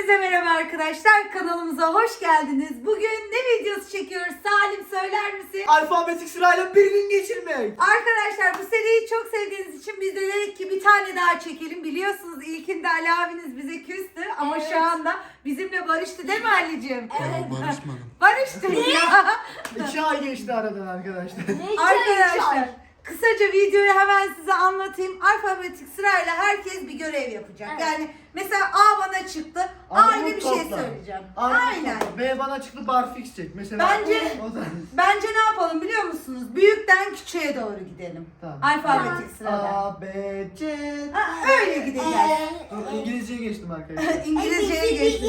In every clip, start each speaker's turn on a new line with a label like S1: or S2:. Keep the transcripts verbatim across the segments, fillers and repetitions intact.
S1: Hepinize merhaba arkadaşlar. Kanalımıza hoş geldiniz. Bugün ne videosu çekiyoruz? Salim söyler misin?
S2: Alfabetik sırayla bir gün geçirmek.
S1: Arkadaşlar bu seriyi çok sevdiğiniz için biz de dedik ki bir tane daha çekelim. Biliyorsunuz ilkinde Ali abiniz bize küstü ama
S3: Evet.
S1: şu anda bizimle barıştı değil mi Ali'cim?
S3: Evet.
S4: Barışmadım.
S1: Barıştı ya.
S2: İki ay geçti aradan arkadaşlar.
S3: Ne
S1: Arkadaşlar kısaca videoyu hemen size anlatayım. Alfabetik sırayla herkes bir görev yapacak.
S3: Evet.
S1: Yani mesela A bana çıktı. A
S2: Armut
S1: ile bir şey
S2: topla.
S1: söyleyeceğim.
S2: Armut
S1: Aynen.
S2: topla. B bana çıktı barfix çek. Mesela
S1: Bence-
S2: o da.
S1: Bence ne yapalım biliyor musunuz? Büyükten küçüğe doğru gidelim.
S2: Tamam.
S1: Alfabetik sırada.
S2: A, B, C.
S1: Ha, öyle gideceğiz.
S2: Dur, İngilizceye geçtim arkadaşlar.
S1: İngilizceye geçtik.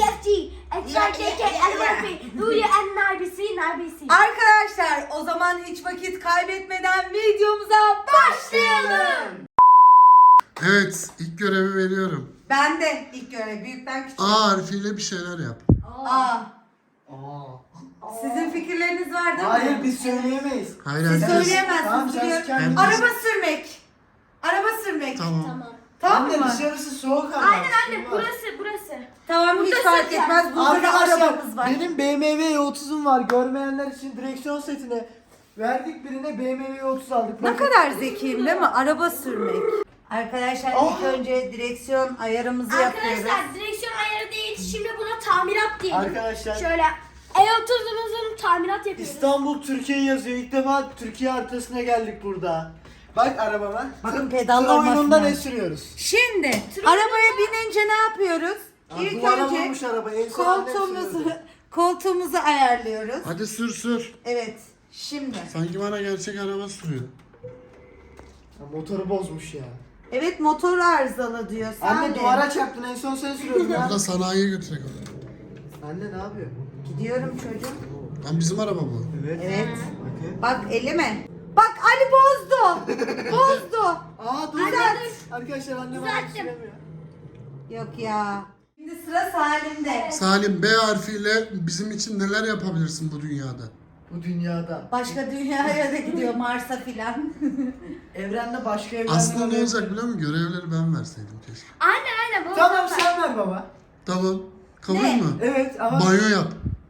S1: Arkadaşlar o zaman hiç vakit kaybetmeden videomuza başlayalım.
S4: Evet, ilk görevi veriyorum.
S1: Ben de ilk görev büyükten küçüğe.
S4: A harfiyle bir şeyler yap.
S1: A.
S2: Aa.
S1: Sizin fikirleriniz var değil mi?
S2: Hayır biz söyleyemeyiz.
S4: Hayır,
S1: Siz
S4: herkes...
S1: söyleyemezsiniz
S2: Tamam, sen
S1: biliyorum.
S2: kendin-
S1: Araba sürmek. Araba sürmek. Tamam,
S4: Tamam.
S1: tamam
S2: Anne
S1: mı?
S2: dışarısı soğuk ama.
S3: Aynen anne
S2: Isınmaz.
S3: burası burası.
S1: Tamam hiç
S3: Burada
S1: fark
S3: süreceğim.
S1: etmez. Burada da
S2: Arkadaşlar
S1: arabamız var.
S2: benim B M W otuzum var. Görmeyenler için direksiyon setine verdik, birine B M W otuz aldık.
S1: Ne
S2: Bakın.
S1: kadar zekiyim değil mi? Araba sürmek. Arkadaşlar ilk
S2: Oh.
S1: önce direksiyon ayarımızı yapıyoruz.
S3: Arkadaşlar direksiyon ayarı değil. Şimdi buna tamirat diyelim.
S2: Arkadaşlar
S3: Şöyle E otuzumuzun tamirat yapıyoruz.
S2: İstanbul Türkiye yazıyor. İlk defa Türkiye haritasına geldik burada. Bak arabama.
S1: Bakın
S2: Tır
S1: pedallar
S2: oyununda
S1: basmıyor.
S2: ne sürüyoruz?
S1: Şimdi arabaya binince ne yapıyoruz?
S2: Aa,
S1: İlk
S2: duvara
S1: önce
S2: vurmuş araba. En son annem
S1: koltuğumuzu
S2: sürüyordu.
S1: koltuğumuzu ayarlıyoruz.
S4: Hadi sür sür.
S1: Evet. Şimdi.
S4: Sanki bana gerçek araba sürüyor.
S2: Ya, motoru bozmuş ya.
S1: Evet motor arızalı diyor.
S2: Anne
S1: Sade.
S2: duvara çarptın, en son sen sürüyordun ya.
S4: Burada sanayiye götürecek onu.
S2: Anne ne yapıyor?
S1: Gidiyorum çocuğum.
S4: Lan bizim araba bu.
S2: Evet.
S1: Evet.
S2: Bakın.
S1: Bak elime. Bak Ali bozdu. Bozdu.
S2: Aa dur.
S1: Düzelt.
S2: Arkadaşlar annem
S3: Düzelttim.
S2: araba süremiyor.
S1: Yok ya. Şimdi sıra Salim'de.
S4: Salim, B harfiyle bizim için neler yapabilirsin bu dünyada?
S2: Bu dünyada.
S1: Başka dünyaya da gidiyor Mars'a filan.
S2: Evrende başka evrenler
S4: Aslında ne
S2: oluyor.
S4: olacak biliyor musun? Görevleri ben verseydim keşke.
S3: Aynen aynen. bunu
S2: Tamam
S3: zaten-
S2: sen ver baba.
S4: Tamam. Kabul
S1: Ne?
S4: mü?
S2: Evet ama
S4: Banyo yap.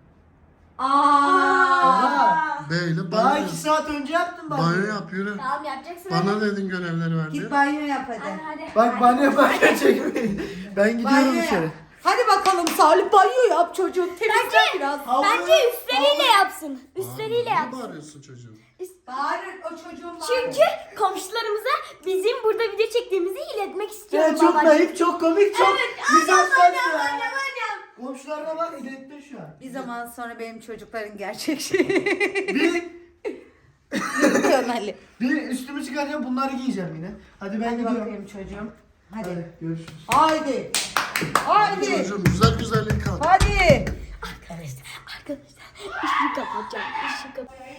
S1: Aa.
S4: B ile
S2: daha
S4: banyo yap.
S2: iki saat önce yaptım ben.
S4: Banyo yap, yürü.
S3: Tamam yapacaksın.
S4: Bana dedin görevleri ver diye.
S1: Git banyo yap hadi.
S3: Hadi hadi.
S2: Bak
S3: hadi.
S2: banyo banyo çekmeyin. Ben gidiyorum
S1: Banyo
S2: içeri.
S1: yap. Hadi bakalım Salim banyo yap çocuğum. Temizle biraz.
S2: Havlu-
S3: Bence üstleriyle yapsın. Üstleriyle
S4: Aa,
S3: yapsın.
S4: niye bağırıyorsun çocuğum?
S1: Bağırır o çocuğun bağırır.
S3: Çünkü komşularımıza bizim burada video çektiğimizi iletmek istiyorum.
S2: Ya çok
S3: babacığım.
S2: naif, çok komik, çok
S3: Evet,
S2: mizahsen
S3: aynen,
S2: ya.
S3: aynen, aynen.
S2: Komşularına bak, iletti şu an.
S1: Bir zaman sonra benim çocukların gerçek şeyi.
S2: Bir,
S1: Diyorsun Ali.
S2: bir üstümü çıkaracağım, bunları giyeceğim yine. Hadi ben
S1: Hadi
S2: gidiyorum.
S1: bakayım çocuğum. Hadi.
S2: Hadi görüşürüz.
S1: Haydi. Haydi.
S4: Çocuğum güzel güzellik kal.
S1: Hadi.
S3: Arkadaşlar, arkadaşlar işi kapatacağım. İşi kapatacağım.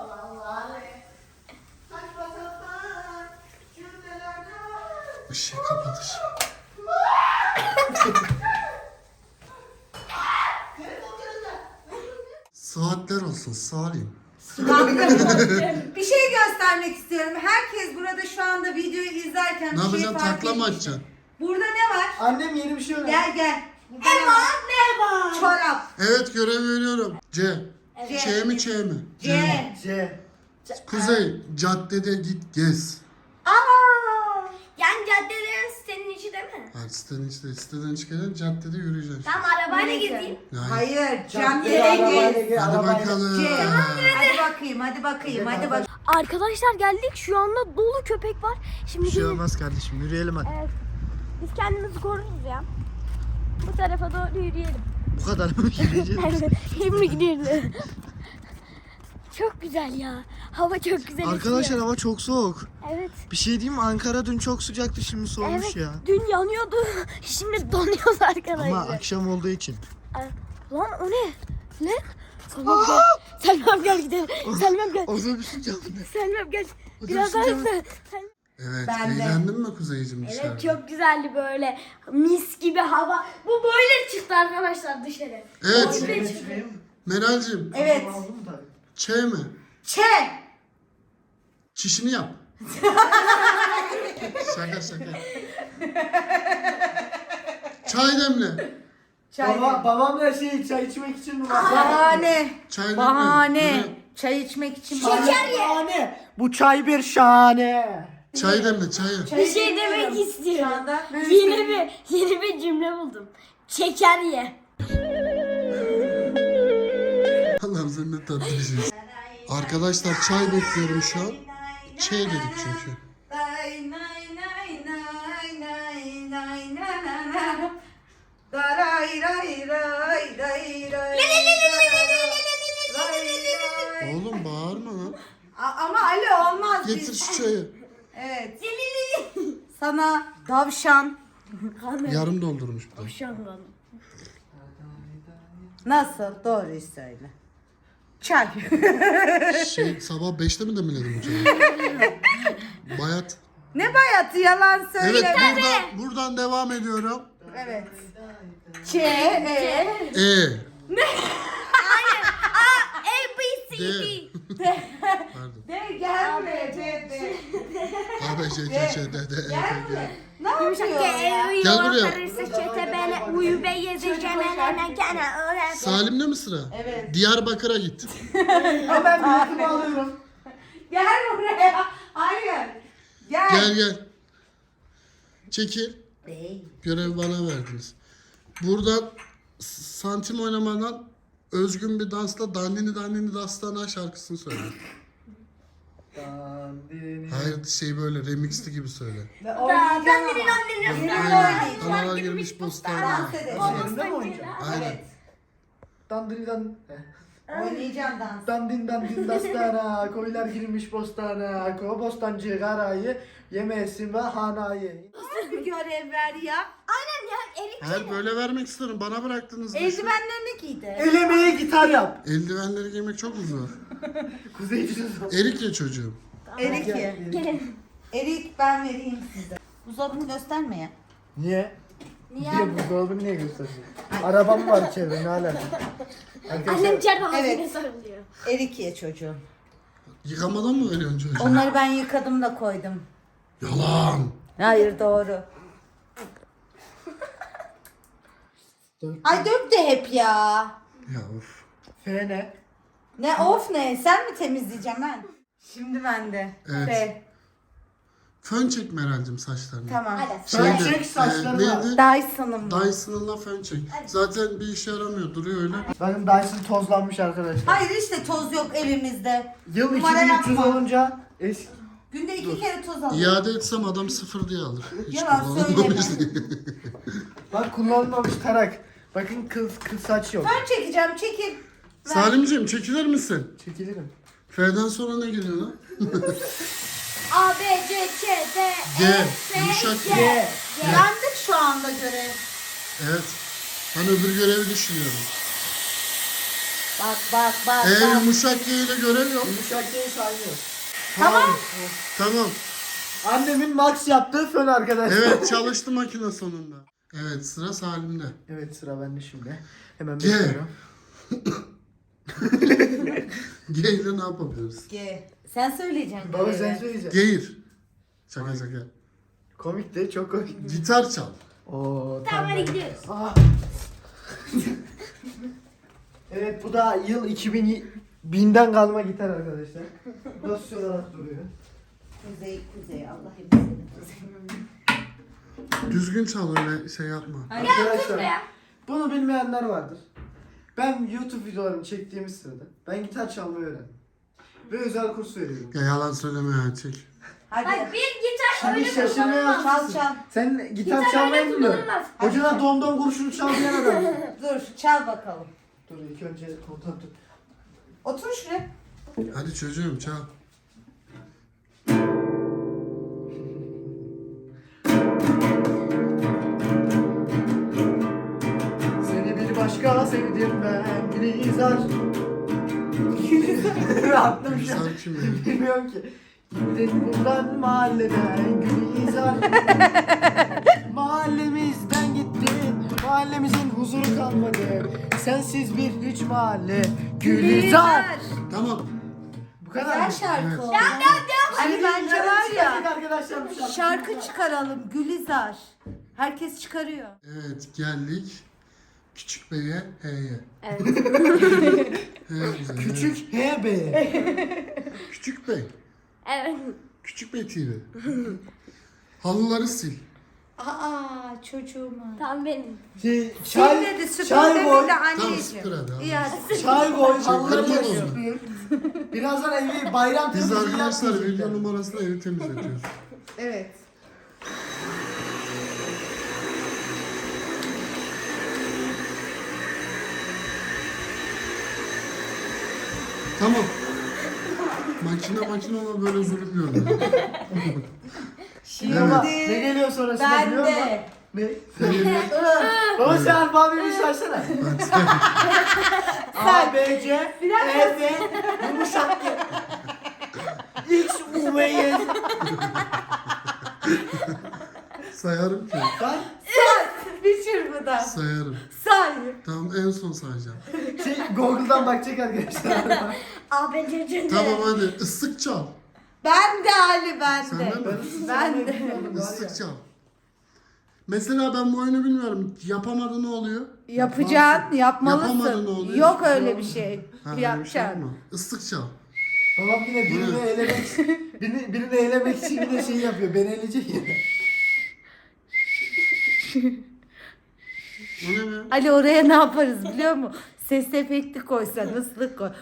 S4: Işığı kapat ışığı. Saatler olsun Salim.
S1: Bir şey göstermek istiyorum. Herkes burada şu anda videoyu izlerken
S4: Ne
S1: bir şey
S4: yapacaksın?
S1: fark
S4: Takla mı
S1: etmiş.
S4: atacaksın?
S1: Burada ne var?
S2: Annem yeni bir şey öğrendi.
S1: Gel gel. Burada ne var?
S3: Merhaba.
S1: Çorap.
S4: Evet görev veriyorum. C.
S1: C.
S4: Ç mi Ç mi?
S1: C.
S2: C.
S4: Kuzey caddede git gez.
S1: Aa!
S3: Yani caddelerin sitenin içi değil mi?
S4: Hadi sitenin içinde siteden çıkacaksın caddede yürüyeceksin.
S3: Tamam arabayla
S1: Neyse.
S3: gideyim.
S4: Yani.
S1: Hayır, cam
S2: Caddeye
S1: yere
S2: arabayla
S1: git.
S2: gel,
S4: Hadi
S2: arabayla.
S4: bakalım.
S1: C. Hadi bakayım, hadi bakayım, hadi bak.
S3: Arkadaşlar geldik. Şu anda dolu köpek var. Şimdi
S2: Bir şey
S3: gelin.
S2: olmaz kardeşim, yürüyelim hadi.
S3: Evet. Biz kendimizi koruruz ya. Bu tarafa doğru yürüyelim.
S2: Bu kadar mı yürüyeceğiz?
S3: Evet. Şimdi gidiyoruz. Çok güzel ya. Hava çok güzel.
S2: Arkadaşlar
S3: esiyor.
S2: hava çok soğuk.
S3: Evet.
S2: Bir şey diyeyim mi? Ankara dün çok sıcaktı, şimdi soğumuş
S3: Evet.
S2: ya.
S3: Dün yanıyordu. Şimdi donuyoruz arkadaşlar.
S2: Ama akşam olduğu için.
S3: Ay, Lan o ne? Ne? Selmem gel. Selmem gel gidelim. Selmem gel.
S2: Otobüsün camında.
S3: Selmem gel.
S2: Otobüsün
S3: Biraz daha
S2: camında.
S3: hızlı. Selmem-
S4: Evet
S1: Ben de.
S4: eğlendin mi Kuzeyciğim dışarıda?
S3: Evet çok güzeldi böyle. Mis gibi hava. Bu böyle çıktı arkadaşlar dışarı.
S4: Evet.
S3: Böyle çıktı.
S4: Meral'cim
S1: Evet.
S4: Ç mi?
S1: Ç.
S4: Çişini yap. şaka şaka. Çay demle.
S1: Çay.
S2: Baba, babamla şey çay içmek için mi var?
S1: Bahane.
S4: Çay değil mi?
S1: Bahane.
S4: Yine
S1: Çay içmek için
S2: Şeker
S1: bahane.
S2: ye. Bu çay bir şahane.
S4: Çay demle çayı.
S3: Bir şey demek
S1: Şu
S3: istiyorum.
S1: anda
S3: Yeni bir yeni bir cümle buldum. Şeker ye.
S4: Allah'ım sen ne tatlı bir şeysin. Arkadaşlar çay bekliyorum şu an. Çay dedik çünkü.
S1: Nay, nay, nay, nay, nay, nay, na, na, na. Daray, ray, ray, ray, ray, ray, ray.
S4: Oğlum bağırma lan.
S1: A- Ama Ali olmaz.
S4: Getir
S1: biz-
S4: şu çayı.
S1: Evet. Sana tavşan.
S4: Yarım doldurmuş bir de.
S3: Şanlı.
S1: Nasıl? Doğruyu söyle. Çay.
S4: Şey sabah beşte mi demledim bu çayı? Bayat.
S1: Ne bayatı, yalan söyle.
S4: Evet buradan, buradan devam ediyorum.
S1: Evet. Ç, e,
S4: E.
S3: A B C
S4: D.
S3: D.
S4: Pardon.
S1: de gelme. De, de.
S4: A, B, C, D, C, D, D, E, F, G.
S1: Gelme. Ne
S3: Yumuşak
S1: yapıyorsun ya?
S3: G,
S4: Gel buraya.
S3: karışsa çete bele, uyu be yezi cemene gene öyle.
S4: Salim'de mi sıra?
S1: Evet.
S4: Diyarbakır'a git.
S2: Hemen biletimi alıyorum.
S1: Gel buraya. Hayır. Gel.
S4: Gel gel. Çekil.
S1: Bey.
S4: Görevi bana verdiniz. Buradan santim oynamadan özgün bir dansla Dandini Dandini Dastana şarkısını söyle.
S2: Dandini.
S4: Hayır şey böyle remixli gibi söyle.
S1: Ve oynayacağım ama.
S4: Aynen. Analar girmiş postana.
S1: Dans edelim.
S2: Yerinde mi oynayacağım?
S4: Aynen.
S1: Evet.
S2: Dandini dan...
S1: Oynayacağım dans.
S2: Dandin dandin dastana, koylar girmiş bostana, ko bostancı garayı, yemesin ve hanayı.
S1: Nasıl bir görev ver ya?
S3: Aynen ya erik.
S4: Hayır böyle vermek istiyorum. Bana bıraktınız. da şu-
S1: Eldivenlerini giydi.
S2: El emeği gitar yap.
S4: Eldivenleri giymek çok mu zor?
S2: Kuzeyci'nin son.
S4: Erik ya çocuğum.
S1: Erik ye.
S2: Gel.
S3: Gelin.
S1: Erik ben vereyim size. Buzdolabını gösterme ya.
S2: Niye?
S3: Niye
S2: Niye
S3: anne?
S2: buzdolabını niye gösteriyorsun? Arabam var içeride ne alaka?
S3: Annem içeride ağzına
S1: Evet.
S3: sarılıyor.
S1: Erik ye çocuğum.
S4: Yıkamadan mı veriyorsun çocuğu?
S1: Onları ben yıkadım da koydum.
S4: Yalan.
S1: Hayır doğru. Ay dök de hep ya.
S4: Ya of.
S2: F ne?
S1: Ne of ne? Sen mi temizleyeceğim ben? Şimdi bende.
S4: Evet.
S1: F.
S4: Fön çekme Meral'cim saçlarını.
S1: Tamam.
S3: Hadi.
S2: Fön
S4: Şeyde,
S2: çek saçlarını.
S4: e, neydi?
S1: Dyson'ım bu.
S4: Dyson'la fön çek. Zaten bir işe yaramıyor. Duruyor öyle.
S2: Bakın Dyson tozlanmış arkadaşlar.
S1: Hayır işte toz yok evimizde.
S2: Yıl
S1: Numara
S2: iki bin üç yüz
S1: yapma.
S2: olunca eski.
S1: Günde iki kere toz alıyor.
S4: İade etsem adam sıfır diye alır. Hiç
S1: Yalan
S4: kullanılmamış
S1: söyleme.
S4: diye.
S2: Bak kullanılmamış tarak. Bakın kız kız saç yok.
S1: Ben çekeceğim çekil. Ver.
S4: Salimciğim çekilir misin?
S2: Çekilirim.
S4: F'den sonra ne geliyor lan?
S3: A B C C D
S4: G.
S3: E F
S4: Yumuşak
S3: G.
S4: G.
S2: G.
S1: Yandık şu anda görev.
S4: Evet. Ben öbür görevi düşünüyorum.
S1: Bak bak bak.
S4: E
S1: bak.
S4: yumuşak G ile görev yok.
S2: Yumuşak değil saymıyor.
S1: Tamam.
S4: Tamam.
S2: Annemin max yaptığı fön arkadaşlar.
S4: Evet çalıştı makine sonunda. Evet sıra Salim'de.
S2: Evet sıra bende şimdi. Hemen
S4: G.
S2: bekliyorum.
S4: G ile ne yapabiliriz?
S1: G. Sen söyleyeceksin.
S2: Baba
S1: görevi.
S2: sen söyleyeceksin.
S4: Geğir. Şaka şaka.
S2: Komik de çok komik.
S4: Gitar çal.
S2: Oo
S3: Tamam hadi
S2: ben-
S3: gidiyoruz.
S2: Ah. Evet bu da yıl iki bin binden kalma gitar arkadaşlar. Dosya olarak duruyor.
S1: Kuzey kuzey Allah hepsini kuzey.
S4: Düzgün çal öyle şey yapma.
S2: Arkadaşlar
S3: Buraya.
S2: bunu bilmeyenler vardır. Ben YouTube videolarımı çektiğimiz sırada ben gitar çalmayı öğrendim. Ve özel kurs veriyorum.
S4: Ya yalan söyleme ya çek.
S1: Hadi.
S3: Bak bir gitar
S2: Şimdi
S3: öyle
S2: şaşırmaya
S3: kullanılmaz.
S1: Çal çal.
S2: Sen gitar,
S3: Gitar
S2: çalmayı
S3: öyle
S2: bilmiyorsun.
S3: kullanılmaz.
S2: Hocana domdom kurşunu çal diyen adam.
S1: Dur çal bakalım.
S2: Dur ilk önce kontrol tut.
S1: Otur şuraya.
S4: Hadi çocuğum çal.
S2: Seni bir başka sevdim ben Gülizar. Attım şu an.
S4: Sen kim ya?
S2: Bilmiyorum ki. Gittin buradan mahalleden Gülizar. Mahallemizden gittin. Mahallemizin huzuru kalmadı. Sensiz bir hiç mahalle. Gülizar.
S4: Tamam.
S2: Bu kadar
S1: Güzel
S2: mı?
S1: şarkı
S4: Evet.
S1: oldu.
S2: Hani
S1: Hani bence var ya.
S2: Arkadaşlar bu şarkı.
S1: Şarkı çıkaralım Gülizar. Herkes çıkarıyor.
S4: Evet geldik. Küçük Bey'e H'ye.
S3: Evet.
S4: He güzel.
S2: Küçük H B'ye.
S4: Küçük Bey.
S3: Evet.
S4: Küçük Bey T V. Halıları sil.
S1: Aa çocuğuma.
S3: Tam benim.
S2: Şey,
S1: Sil
S2: çay,
S1: dedi süpür
S2: çay boy,
S1: demedi
S4: Tamam
S1: anneciğim.
S4: süpür hadi. hadi.
S1: İyi hadi.
S2: çay boy, halıları
S4: kırmızı
S2: yapıyor.
S4: oldu.
S2: Birazdan evi bayram
S4: Biz
S2: temizliği
S4: arkadaşlar
S2: yapmayacaklar.
S4: video numarasıyla evi temizletiyoruz.
S1: Evet.
S4: Tamam. Makine makine ama böyle zulüm görmüyor.
S1: Şimdi
S2: Ama ne geliyor sonrasında
S1: ben
S2: biliyor musun?
S1: de.
S2: Ne?
S4: Senin
S2: Baba sen alfabemi saysana. A, B, C, E, F, yumuşak G. X, U, V, Y.
S4: sayarım ki.
S2: Say.
S1: Bir çırpıda.
S4: Sayarım.
S1: Say.
S4: Tamam en son sayacağım.
S2: Şey, Google'dan bakacak arkadaşlar.
S3: A B C C D.
S4: Tamam hadi ıslık çal.
S1: Ben de Ali ben
S4: Sen
S1: de.
S4: de mi?
S1: Ben de.
S4: Islık çal. Mesela ben bu oyunu bilmiyorum. Yapamadı ne oluyor?
S1: Yapacaksın,
S4: Yapamadı ne
S1: yapmalısın.
S4: oluyor?
S1: Yok öyle bir şey.
S4: Ha, öyle bir şey yok
S1: Yapacaksın.
S4: mu? Islık çal.
S2: Babam yine birini elemek birini, birini elemek için yine şey yapıyor. Beni eleyecek ya.
S4: O ne be?
S1: Ali oraya ne yaparız biliyor musun? Ses efekti koysan, ıslık koy.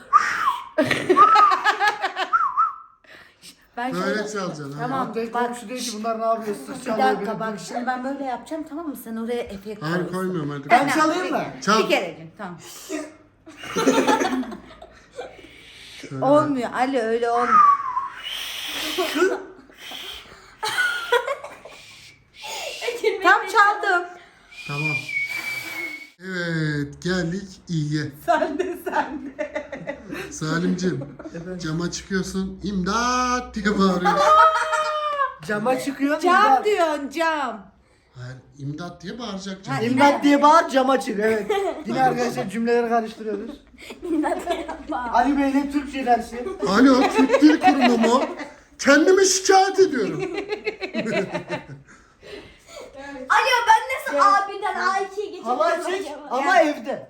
S1: Ben
S4: Böyle
S1: şöyle...
S4: çalacaksın. ha.
S1: Tamam.
S2: Tek
S1: Bak,
S2: komşu diyor ki bunlar ne yapıyor? Sus
S1: Bir
S2: çalıyor.
S1: dakika
S2: benim
S1: bak
S2: diyor.
S1: şimdi ben böyle yapacağım tamam mı? Sen oraya efekt
S4: Hayır
S1: koyuyorsun.
S4: koymuyorum hadi.
S2: Ben çalayım mı?
S4: Çal.
S1: Bir kerecik tamam.
S4: Şöyle
S1: Olmuyor Ali öyle olmuyor. Tam çaldım.
S4: Tamam. Evet geldik iyiye.
S1: Sen de sen de.
S4: Salimcim cama çıkıyorsun imdat diye bağırıyorsun.
S2: Cama çıkıyor.
S1: Cam
S2: imdat.
S1: diyorsun cam.
S4: Hayır imdat diye bağıracak cam.
S1: Ha,
S2: İmdat diye bağır cama çık. Evet. Yine arkadaşlar cümleleri karıştırıyoruz. Ali Bey'le Türkçe dersi.
S4: Alo Türk Dil Kurumu mu? Kendimi şikayet ediyorum.
S3: Alo ben nasıl A birden A ikiye geçeceğim
S2: Halay çek
S3: acaba?
S2: ama evde.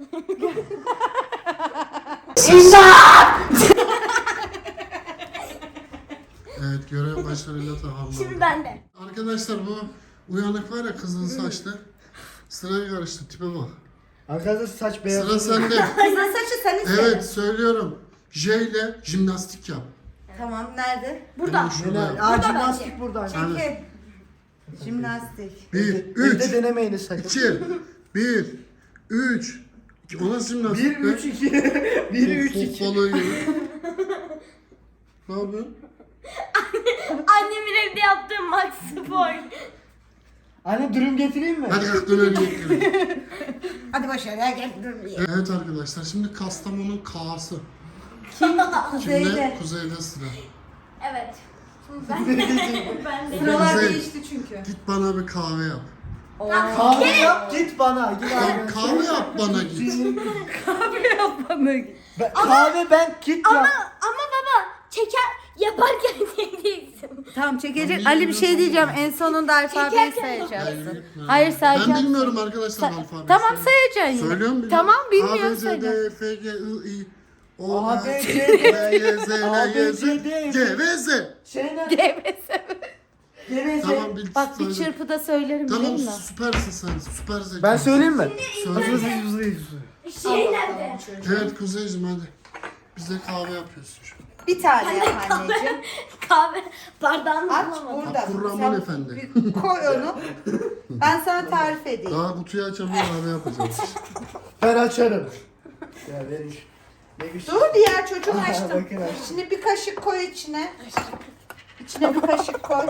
S4: Evet görev başarıyla tamamlandı.
S3: Şimdi ben de.
S4: Arkadaşlar bu uyanık var ya kızıl saçlı. Sıraya karıştı tipe bak.
S2: Arkadaşlar saç beyaz.
S4: Sıra sende.
S1: Kızın saçı sen iste.
S4: Evet söylüyorum. J ile jimnastik yap.
S1: Tamam nerede?
S3: Burada.
S4: Hemen şurada yap.
S2: Aa jimnastik burada.
S1: Çekil. Jimnastik.
S4: Bir,
S2: Evde
S4: üç,
S2: denemeyiniz sakın.
S4: iki, bir, üç. O nasıl jimnastik?
S2: bir, üç, iki. bir, üç, iki.
S4: Balığı gibi. Ne yapıyorsun?
S3: Annemin evde yaptığım Max Spor.
S2: Anne dürüm getireyim mi?
S4: Hadi kalk dönelim yiyelim.
S1: Hadi başarıya gel. Dur.
S4: Evet arkadaşlar şimdi Kastamonu'nun K'sı.
S1: Kuzeyde.
S4: Şimdi kuzeyde sıra.
S3: Evet. Şimdi ben de. ben de.
S1: Sıralar
S4: Kuzey.
S1: değişti çünkü.
S4: Git bana bir kahve yap.
S1: Oo.
S2: Kahve yap git bana. Git
S4: Tamam
S2: abi.
S4: kahve yap bana git.
S1: Yapmadık.
S2: Ben- kahve ben git
S3: Ama
S2: yap.
S3: ama baba çeker yaparken çekeceksin.
S1: Tamam çekecek.
S4: Tamam,
S1: Ali bir şey diyeceğim. En sonunda alfabeyi
S3: Çekerken
S1: sayacaksın. Hayır
S4: Ben
S1: sayacaksın.
S4: bilmiyorum arkadaşlar
S1: Sa-
S4: alfabeyi.
S1: Tamam sayacaksın yine.
S4: Söylüyorum biliyorum.
S1: Tamam
S4: A,
S1: bilmiyorum
S4: B, C,
S1: söyle.
S4: D, F, G, I, I, O,
S2: A,
S4: A,
S2: B,
S4: C,
S2: C,
S4: D,
S2: D,
S4: Y, Z,
S2: A,
S4: L,
S2: B,
S4: Y, Z,
S2: C, D,
S4: C ve Z.
S2: Şeyden.
S1: Geveze.
S2: Geveze.
S4: Tamam bil.
S1: Bak bir
S4: söyle.
S1: çırpıda söylerim
S4: Tamam
S1: biliyor musun?
S4: süpersin sen. Süper zekansın.
S2: Ben söyleyeyim mi?
S4: Söyle.
S2: Hızlı hızlı hızlı hızlı.
S3: Şey nerede?
S4: Evet Kuzeyciğim hadi. Bize kahve yapıyorsun şu an.
S1: Bir tane yap anneciğim.
S3: Kahve bardağını
S1: Aç
S3: bulamadım.
S1: burada.
S4: Abdurrahman
S1: Sen
S4: Efendi.
S1: bir koy onu. Ben sana tarif edeyim.
S4: Daha kutuyu açamıyor kahve yapacağız.
S2: Ben açarım. Ya verin. Ne güçlü.
S1: Dur diğer çocuğum
S2: Aha,
S1: açtım.
S2: bakın açtım.
S1: Şimdi bir kaşık koy içine. İçine bir kaşık koy.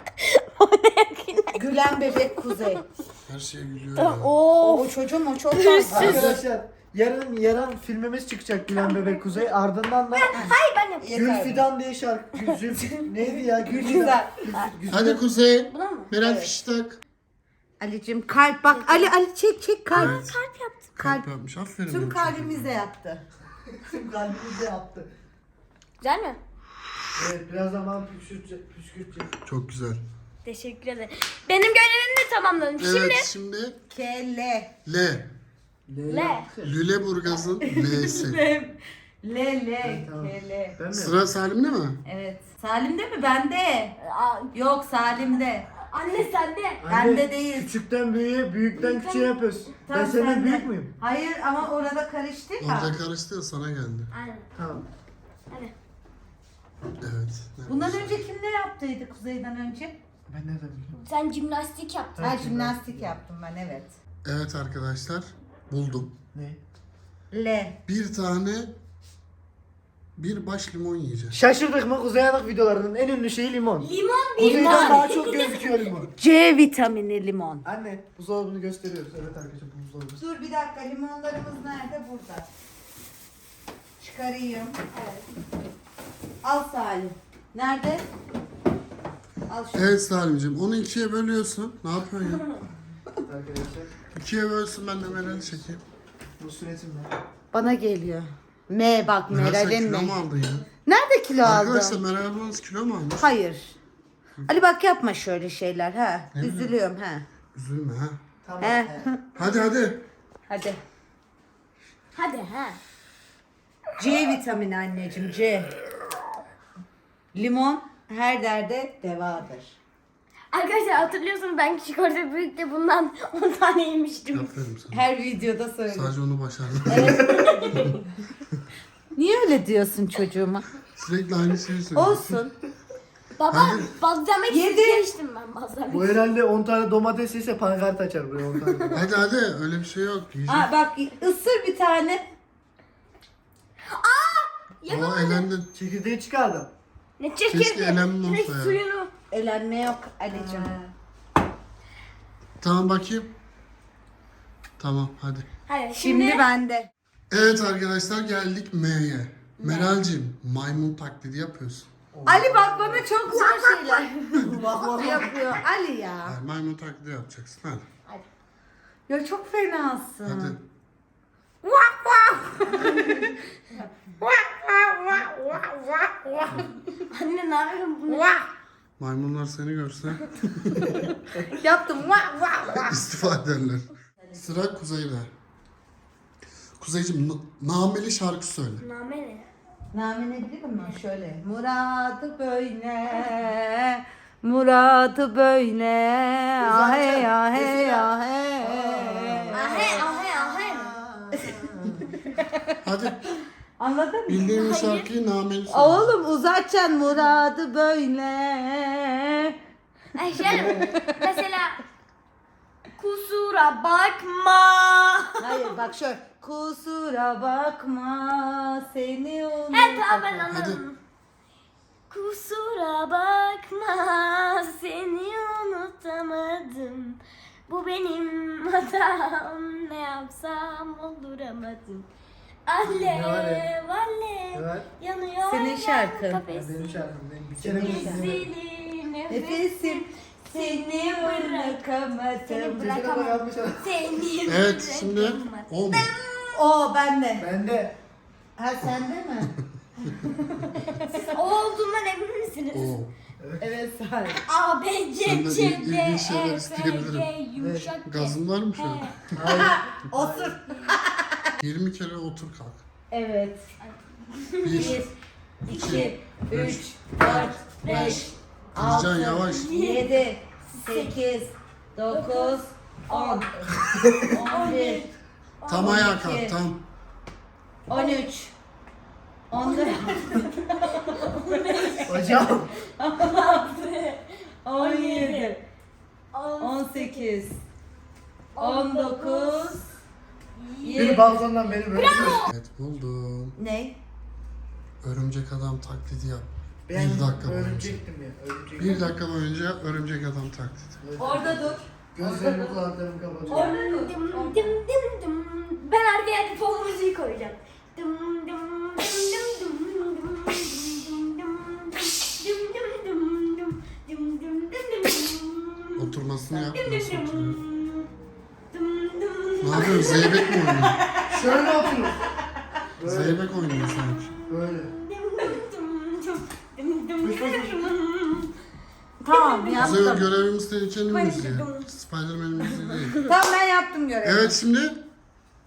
S1: Gülen bebek Kuzey.
S4: Her şeye gülüyor ya.
S1: Oo, o çocuğum o çok fazla.
S2: Arkadaşlar yarın yarın filmimiz çıkacak Gülen Bebek Kuzey. Ardından da
S3: Hayır ben yapayım.
S1: Yeter.
S2: Gülfidan diye şarkı. Gül, Zülf- neydi ya? Gülfidan.
S1: Güzel.
S4: Hadi Kuzey.
S3: Buna mı?
S4: Meral
S1: Evet.
S4: fiş tak.
S1: Ali'cim kalp bak. Ali Ali çek çek kalp.
S4: Evet.
S3: Kalp yaptım.
S4: Kalp yapmış. Aferin.
S1: Tüm
S4: benim
S1: kalbimizle yaptı.
S2: Tüm kalbimizde yaptı.
S3: Güzel mi?
S2: Evet biraz zaman püskürtecek. püskürtecek.
S4: çocuğum. Çok güzel.
S3: Teşekkür ederim. Benim görevimi de tamamladım. Şimdi
S4: Evet şimdi
S1: K L.
S4: L.
S3: Le.
S4: Lüleburgaz'ın L'si.
S1: Le. Le le.
S2: Evet, tamam.
S1: Ke, le.
S2: Ben mi?
S4: Sıra Salim'de mi?
S1: Evet. Salim'de mi? Bende.
S3: Aa,
S1: Yok Salim'de.
S3: Anne sende.
S1: Bende değil.
S2: Küçükten büyüğe, büyükten küçüğe yapıyoruz. ben
S1: Tamam,
S2: senden
S1: sende.
S2: büyük müyüm?
S1: Hayır ama orada karıştı ya.
S4: Orada karıştı ya, sana geldi.
S3: Aynen.
S2: Tamam.
S3: Hadi.
S4: Evet.
S1: Bundan önce kim ne yaptıydı Kuzey'den önce?
S2: Ben nereden biliyorum?
S3: Sen jimnastik yaptın.
S1: Ha jimnastik yaptım ben evet.
S4: Evet arkadaşlar, buldum.
S2: Ne?
S1: L.
S4: Bir tane bir baş limon yiyeceğiz.
S2: Şaşırdık mı? Kuzey Yanık videolarının en ünlü şeyi limon.
S3: Limon bir
S2: Kuzeyden daha çok gözüküyor limon.
S1: C vitamini limon.
S2: Anne buzdolabını gösteriyoruz. Evet arkadaşlar bu buzdolabı.
S1: Dur bir dakika limonlarımız nerede? Burada. Çıkarayım.
S3: Evet.
S1: Al Salim. Nerede? Al şunu.
S4: Evet Salim'ciğim, onu ikiye bölüyorsun. Ne yapıyorsun ya?
S2: Arkadaşlar
S4: İkiye bölsün, ben de Meral'i çekeyim.
S2: bu süretimle.
S1: Bana geliyor. M bak
S4: Meral sen
S1: Meral'in
S4: kilo mu
S1: mi?
S4: aldın ya?
S1: Nerede kilo
S4: Arkadaşlar
S1: aldım?
S4: Meral ablanız kilo mu almış?
S1: Hayır. Ali bak yapma şöyle şeyler ha. Üzülüyorum ha.
S4: Üzülme ha.
S2: Tamam.
S1: He.
S2: he.
S4: Hadi hadi.
S1: Hadi.
S3: Hadi ha.
S1: C vitamini anneciğim C. Limon her derde devadır.
S3: Arkadaşlar hatırlıyorsunuz ben küçük orta büyükte bundan on tane yemiştim.
S4: Aferin sana.
S1: Her videoda söylüyorum.
S4: Sadece onu başardın.
S1: Niye öyle diyorsun çocuğuma?
S4: Sürekli aynı şeyi söylüyorsun.
S1: Olsun.
S3: Baba
S4: Hadi.
S3: bazlamak
S1: Yedi.
S3: istemiştim ben bazlamak.
S2: Bu herhalde on tane domates yese pankart açar buraya on tane domates.
S4: Hadi hadi, öyle bir şey yok. Yiyecek.
S1: Aa, bak ısır bir tane.
S4: O elendin.
S2: Çekirdeği çıkardım.
S3: Ne
S4: Keşke
S3: çekirdi?
S4: elenme
S3: Ne
S4: olsa ya.
S3: suyunu.
S1: Elenme yok Ali'cim.
S4: Tamam bakayım. Tamam hadi.
S3: Hadi şimdi,
S1: Şimdi bende.
S4: Evet arkadaşlar, geldik M'ye. Meral'cim, maymun taklidi yapıyorsun.
S1: Ali bak bana çok zor şeyler
S2: Bak bak bak.
S1: yapıyor. Ali ya.
S4: Hayır, maymun taklidi yapacaksın hadi.
S1: Ya çok fenasın.
S4: Hadi.
S3: anne ne yapıyorsun bunu?
S4: Maymunlar seni görse
S1: Yaptım. Vah vah vah.
S4: istifa ederler. Sıra Kuzey'de. Kuzey'cim, na- nameli şarkı söyle.
S3: Name ne?
S1: Name ne biliyor musun? Şöyle. Muradı böyle. Muradı böyle. Ahe ahe ahe.
S3: Ahe ahe ahe.
S4: Hadi,
S1: Anladın mı?
S4: bildiğin bir şarkıyı nameli söyle.
S1: Oğlum uzatacaksın muradı böyle.
S3: Ay şöyle mesela kusura bakma.
S1: Hayır bak şöyle. Kusura bakma seni unuttum.
S3: Evet tamam ben anladım. Kusura bakma seni unutamadım. Bu benim hatam, ne yapsam olduramadım.
S2: Ne var
S3: Alev
S2: ya?
S3: alev
S2: Evet.
S3: yanıyor
S1: Senin
S3: yan
S1: şarkın.
S3: kafesim.
S2: Benim şarkım benim. Bir kere bir sene.
S3: Ezilir nefesim.
S1: Nefesim seni bırakamadım.
S3: Seni
S2: Bırakamam.
S3: bırakamam.
S2: Yanlış anladım.
S3: Seni
S4: Evet, şimdi
S3: bırakamam.
S4: o mu?
S1: O bende.
S2: Ben de.
S1: Ha sende mi?
S3: Siz o olduğundan emin misiniz?
S4: O.
S1: Evet sahip.
S3: A, B, C,
S4: Senden
S3: C,
S4: il-
S3: D,
S4: ilginç şeyler
S3: E, F,
S4: isteyebilirim.
S3: G, yumuşak G.
S4: Gazın var mı şöyle?
S2: Hayır.
S1: Otur.
S4: yirmi kere otur kalk.
S1: Evet.
S4: Bir.
S1: Bir, iki, üç, dört, beş, altı,
S4: Can yavaş.
S1: yedi, sekiz, dokuz, on, on bir,
S4: Tam ayağa kalk, tam.
S1: on üç, on dört,
S2: Hocam.
S1: on yedi, on sekiz, on dokuz,
S2: Bir
S1: yirmi.
S2: balkondan beni böyle.
S4: Evet, buldum.
S1: Ne?
S4: Örümcek adam taklidi yap.
S2: Ben
S4: Bir dakika boyunca.
S2: örümcektim ya. Örümcek.
S4: Bir dakika boyunca örümcek adam taklidi.
S1: Orada dur.
S2: Gözlerimi kulaklarımı kapatıyorum.
S1: Orada dur.
S3: Dım dım dım dım. Ben arkaya bir pop müziği koyacağım. Dım dım dım dım dım dım dım dım dım dım dım dım dım dım dım dım.
S4: Oturmasını yap.
S3: Dım
S4: Nasıl
S3: dım
S4: oturuyor?
S3: dım dım.
S4: Ne yapıyorsun? Zeybek mi oynuyorsun?
S2: Şöyle oturun. Böyle.
S4: Zeybek oynuyor sanki.
S2: Böyle.
S3: Dım dım dım dım dım dım dım.
S1: Tamam
S4: Kuzey,
S1: yaptım.
S4: görevimiz tehlikenin müziği. Spiderman'in müziği değil.
S1: Tamam ben yaptım görevi.
S4: Evet, şimdi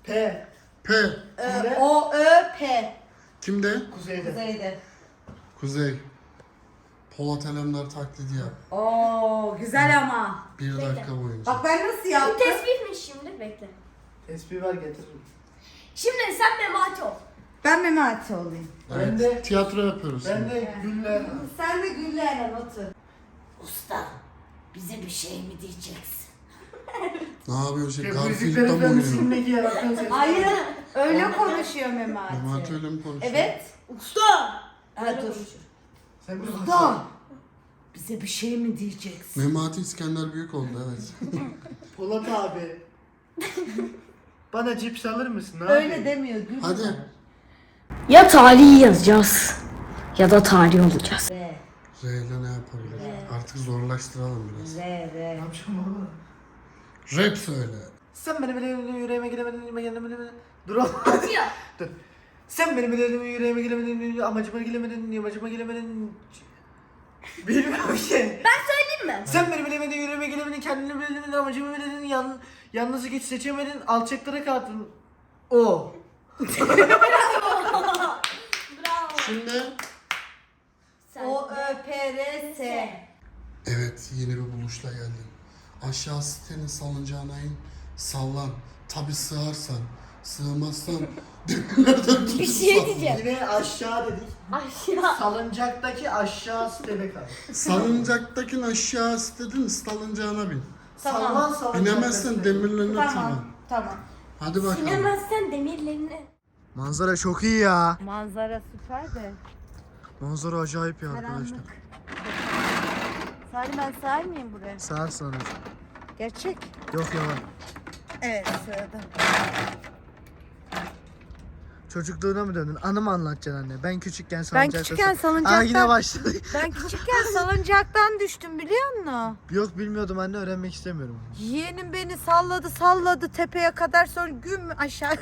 S2: P.
S4: P.
S1: Ö, O, Ö, P.
S4: Kimde?
S2: Kuzeyde.
S1: Kuzeyde.
S4: Kuzey. Polat Alemdar taklidi yap.
S1: Oo güzel ama.
S4: Bir dakika boyunca.
S1: Bak ben nasıl
S3: Bu
S1: yaptım?
S3: tesbihmiş şimdi, bekle.
S2: Tespih ver getiririm.
S3: Şimdi sen Memati ol.
S1: Ben Memati olayım.
S2: Ben de,
S4: Tiyatro yapıyoruz.
S2: ben
S4: şimdi.
S2: de Güller.
S1: Sen de Güller'le otur.
S5: Usta, bize bir şey mi diyeceksin?
S4: Ne yapıyorsun? Şey,
S2: Bu
S4: Garfield'da
S2: yüzüklerin
S4: mı oynuyor?
S2: müziğindeki yaratığın ses.
S1: Hayır öyle konuşuyor Memati.
S4: Memati öyle mi konuşuyor?
S1: Evet.
S3: Usta.
S1: Ha dur.
S2: Sen bir
S1: Usta.
S5: Bize bir şey mi diyeceksin?
S4: Memati İskender Büyük oldu evet.
S2: Polat abi. Bana cips alır mısın? Ne
S1: Öyle
S2: yapayım?
S1: demiyor Gül.
S4: Hadi.
S3: Ya tarihi yazacağız ya da tarih olacağız.
S1: R,
S4: R ile ne yapabiliriz? Artık zorlaştıralım biraz.
S1: R,
S2: Ne
S1: R.
S2: yapacağım baba?
S4: Rap söyle.
S2: Sen benim yüreğime yüreğime giremedin, yüreğime giremedin. Dur oğlum.
S3: Atıyor.
S2: Dur. Sen benim yüreğime yüreğime giremedin, amacıma giremedin, amacıma giremedin. Bilmiyorum ki.
S3: Ben söyleyeyim mi?
S2: Sen benim bilemedin, yüreğime giremedin, kendini bilemedin, amacımı bilemedin, yan, yalnızlık hiç seçemedin, alçaklara kaldın. O.
S3: Bravo.
S4: Şimdi
S3: Sen
S1: O, Ö, P, R, S.
S4: evet yeni bir buluşla geldim. Aşağı sitenin salıncağına in, sallan. Tabi sığarsan, sığmazsan demirlerden tutup
S3: bir şey
S4: sal.
S3: diyeceğim.
S2: Yine aşağı dedik.
S3: Aşağı.
S2: Salıncaktaki aşağı sitede kal.
S4: Salıncaktakini aşağı sitedin, salıncağına bin.
S1: Tamam.
S2: Sallan salıncakta.
S4: Binemezsen demirlerine tırman.
S1: Tamam. Tamam.
S4: Hadi bakalım.
S3: Sinemezsen demirlerini.
S2: Manzara çok iyi ya.
S1: Manzara süper de.
S2: Manzara acayip ya
S1: Karanlık. Salim ben sığar mıyım buraya?
S2: Sağ sonra.
S1: Gerçek.
S2: Yok yalan.
S1: Evet sığdım.
S2: Çocukluğuna mı döndün? Anı mı anlatacaksın anne? Ben küçükken
S1: Ben
S2: salıncakta...
S1: küçükken
S2: Aa
S1: salıncaktan...
S2: yine başladı.
S1: Ben küçükken salıncaktan düştüm biliyor musun?
S2: Yok bilmiyordum anne, öğrenmek istemiyorum.
S1: Yeğenim beni salladı salladı tepeye kadar, sonra güm aşağı.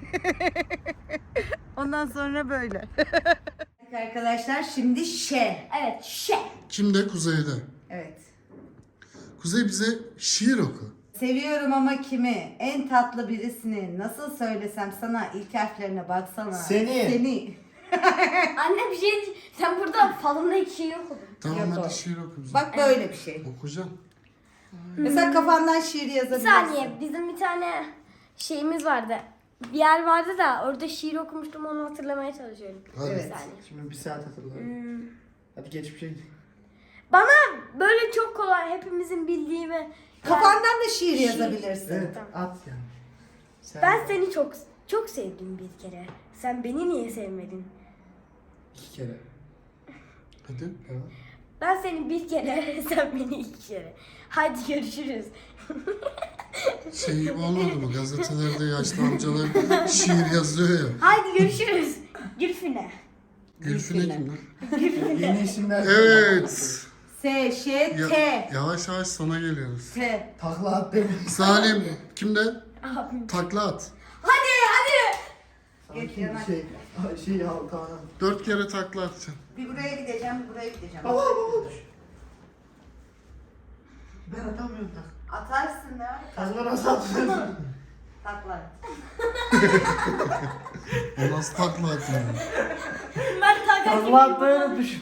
S1: Ondan sonra böyle. Arkadaşlar şimdi şe.
S3: Evet, şey.
S4: Kimde? Kuzey'de.
S1: Evet.
S4: Kuzey bize şiir oku.
S1: Seviyorum ama kimi? En tatlı birisini nasıl söylesem sana, ilk harflerine baksana.
S2: Seni.
S1: Seni.
S3: Anne bir şey, sen burada falında iki şey okudun.
S4: Tamam
S1: Yok,
S4: hadi
S1: o.
S4: şiir oku bize.
S1: Bak böyle bir şey.
S4: Okuyacağım.
S1: Mesela kafandan şiir
S3: Bir
S1: yazabilirsin.
S3: saniye, bizim bir tane şeyimiz vardı. Bir yer vardı da orada şiir okumuştum, onu hatırlamaya çalışıyorum.
S4: Hadi.
S1: Evet.
S3: Bir saniye.
S2: Şimdi bir saat hatırladım. Hadi geç bir şey.
S3: Bana böyle çok kolay, hepimizin bildiği ve
S1: Kafandan da şiir yazabilirsin.
S2: Evet at yani. Sen
S3: ben seni çok çok sevdim bir kere. Sen beni niye sevmedin?
S2: iki kere.
S4: Hadi.
S3: Ben seni bir kere, sen beni iki kere. Hadi görüşürüz.
S4: Şey gibi olmadı mı? Gazetelerde yaşlı amcalar şiir yazıyor ya.
S3: Hadi görüşürüz. Gülfine.
S4: Gülfine kim lan?
S2: Yeni isimler.
S4: Evet.
S1: S, Ş,
S4: Ya-
S1: T.
S4: yavaş yavaş sana geliyoruz.
S1: T.
S2: Takla at demiş.
S4: Salim kimde?
S3: Abim.
S4: Takla at.
S3: Hadi hadi.
S2: Sanki bir şey. Şey ya tamam.
S4: Dört kere takla atacaksın.
S1: Bir buraya gideceğim, bir buraya gideceğim.
S2: Baba baba. Ben atamıyorum tak.
S1: Atarsın ya.
S2: Takla nasıl atıyorsun?
S1: Takla.
S4: O nasıl takla atıyor?
S3: Ben takar
S2: Takla atmayı unutmuşum.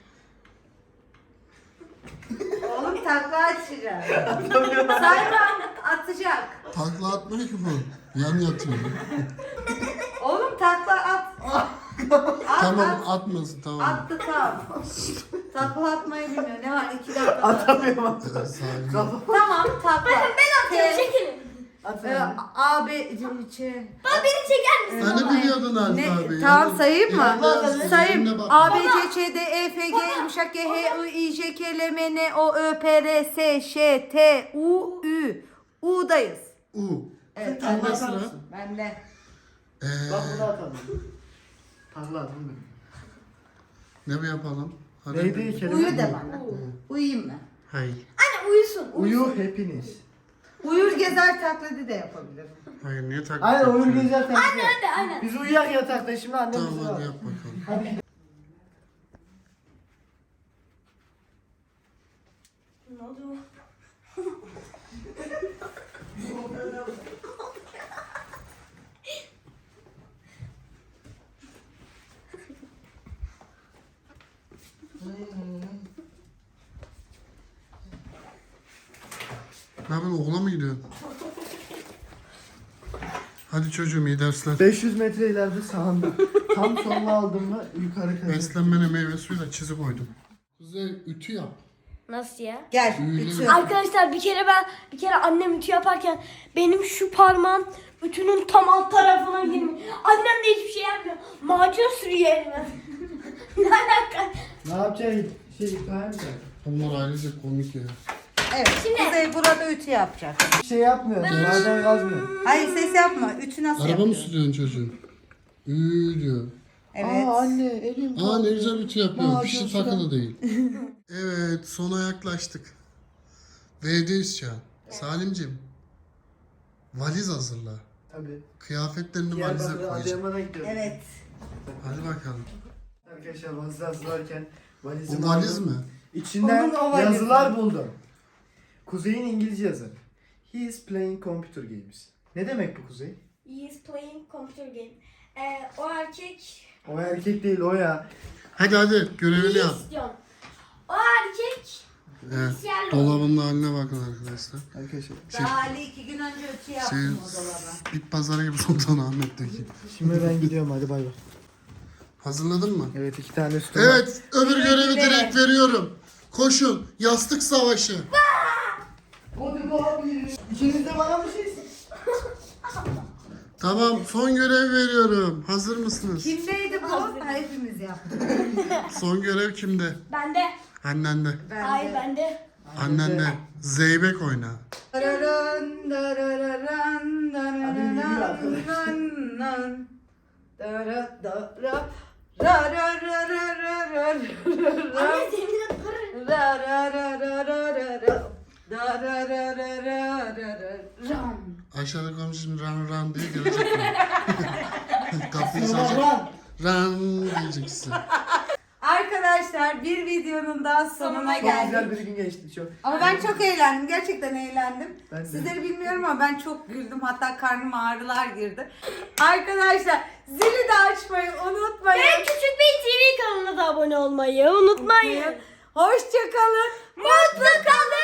S1: Oğlum takla açacağım. Sayran atacak.
S4: Takla atmıyor ki bu. Yan yatıyor.
S1: Oğlum takla at. At
S4: Tamam
S1: at.
S4: atmasın tamam.
S1: Attı tam. Takla atmayı bilmiyor. Ne var? İki dakika.
S2: Atamıyorum.
S4: Evet, Salim.
S1: Tamam takla.
S3: Ben atıyorum,
S1: T,
S3: çekilin.
S1: e,
S2: Atamıyorum.
S1: A, B, C, Ç.
S3: Baba beni çeker misin?
S4: Sen de biliyordun Alp
S1: Ne?
S4: abi.
S1: Tamam
S4: Yani
S1: sayayım mı?
S4: elinde yazıyor,
S1: Sayayım.
S4: eline bak.
S1: A, B, C, Ç, D, E, F, G, yumuşak G, H, I, I, J, K, L, M, N, O, Ö, P, R, S, Ş, T, U, Ü. U'dayız.
S4: U.
S1: Evet.
S4: Kimde
S2: Takla
S4: sıra?
S2: atar mısın?
S1: Bende.
S4: Ee,
S2: Bak bunu atalım. Takla at bunu.
S4: ne mi yapalım? Hadi.
S2: Neydi kelime?
S1: Uyu de bana. Uyuyayım mı?
S4: Hayır.
S3: Anne uyusun.
S2: Uyu hepiniz.
S1: Uyur gezer taklidi de yapabilirim.
S4: Hayır niye takla
S2: Aynen oyun
S4: atıyorsun?
S2: gezer tabii.
S3: Hadi aynen.
S2: Biz uyuyak yatakta şimdi annem
S4: Tamam
S2: bizi
S4: hadi
S2: var.
S4: yap bakalım.
S2: Hadi.
S3: Ne oldu?
S4: Ne yapıyorsun, okula mı gidiyorsun? Hadi çocuğum, iyi dersler.
S2: beş yüz metre ileride sağında. Tam soluna aldım mı yukarı kadar.
S4: Beslenmene meyve suyuyla çizi koydum. Kuzey, ütü yap.
S3: Nasıl ya?
S1: Gel.
S4: Öyle
S1: Ütü.
S4: mi?
S3: Arkadaşlar bir kere ben bir kere annem ütü yaparken benim şu parmağım ütünün tam alt tarafına girmiş. Annem de hiçbir şey yapmıyor. Macun sürüyor elime. Ne alaka?
S2: Ne yapacaksın? Şey yıkayar mı?
S4: Bunlar ayrıca komik ya.
S1: Evet. Kuzey burada ütü yapacak.
S2: Bir şey yapmıyor. Maden kazmıyor.
S1: Hayır ses yapma. Ütü nasıl
S4: Araba mı
S1: yapıyor?
S4: sürüyorsun çocuğum? Üü diyor.
S1: Evet.
S2: Aa anne elim
S4: Aa ne güzel ütü yapıyor.
S2: Aa,
S4: Fişi
S2: çok
S4: takılı değil. Evet, sona yaklaştık. V'deyiz şu an. Salimciğim, valiz hazırla.
S2: Tabii.
S4: Kıyafetlerini valize
S2: Diyarbakır'a
S4: koyacağım.
S2: Adıyaman'a gidiyoruz.
S1: Evet.
S4: Hadi bakalım.
S2: Arkadaşlar valizi hazırlarken valizimi
S4: Bu valiz
S2: aldım.
S4: mi?
S2: İçinden
S1: Onun o valizi.
S2: yazılar buldum. Kuzey'in İngilizce yazarı. He is playing computer games. Ne demek bu Kuzey?
S3: He is playing computer game. Ee, o erkek
S2: O erkek değil o ya.
S4: Hadi hadi, görevini yap.
S3: istiyorum. O erkek
S4: Evet.
S3: bilgisayarla
S4: Dolabının haline bakın arkadaşlar.
S2: Arkadaşlar.
S1: Daha Ali iki gün önce ütü
S4: Şey,
S1: yaptım o dolaba.
S4: bit pazarı gibi Sultanahmet'teki.
S2: Şimdi ben gidiyorum hadi bay bay.
S4: Hazırladın mı?
S2: Evet iki tane sütüm var.
S4: Evet, öbür görevi
S1: Evet.
S4: direkt veriyorum. Koşun, yastık savaşı.
S2: Hadi abi. İkiniz de bana bir şey
S4: Tamam, son görev veriyorum. Hazır mısınız?
S1: Kimdeydi bu? Ha, hepimiz yaptık.
S4: Son görev kimde?
S3: bende.
S4: Annende.
S1: Ben
S3: Hayır
S1: de.
S3: bende.
S4: Annende. Zeybek oyna.
S1: Dararan, dararan, dararan, dararan, dara, dara, ra, ra, ra, ra, ra, ra, ra,
S3: Anne senin de para.
S1: ra, ra, ra, ra, ra, ra, ra, da, ra, ra, ra, ra, ra, ra, ram.
S4: Aşağıda komşum ran ran diye gelecek mi? Kapıyı çalacak.
S2: Lan.
S4: Ran diyeceksin.
S1: Arkadaşlar bir videonun daha sonuna
S3: Sonuna
S2: Çok güzel
S1: geldik.
S2: bir gün geçti çok.
S1: Ama ben çok eğlendim. Gerçekten eğlendim.
S2: Ben de.
S1: Sizleri bilmiyorum ama ben çok güldüm. Hatta karnıma ağrılar girdi. Arkadaşlar zili de açmayı unutmayın.
S3: Ve Küçük Bey T V kanalına da abone olmayı unutmayın.
S1: Hoşça kalın. Mutlu kalın.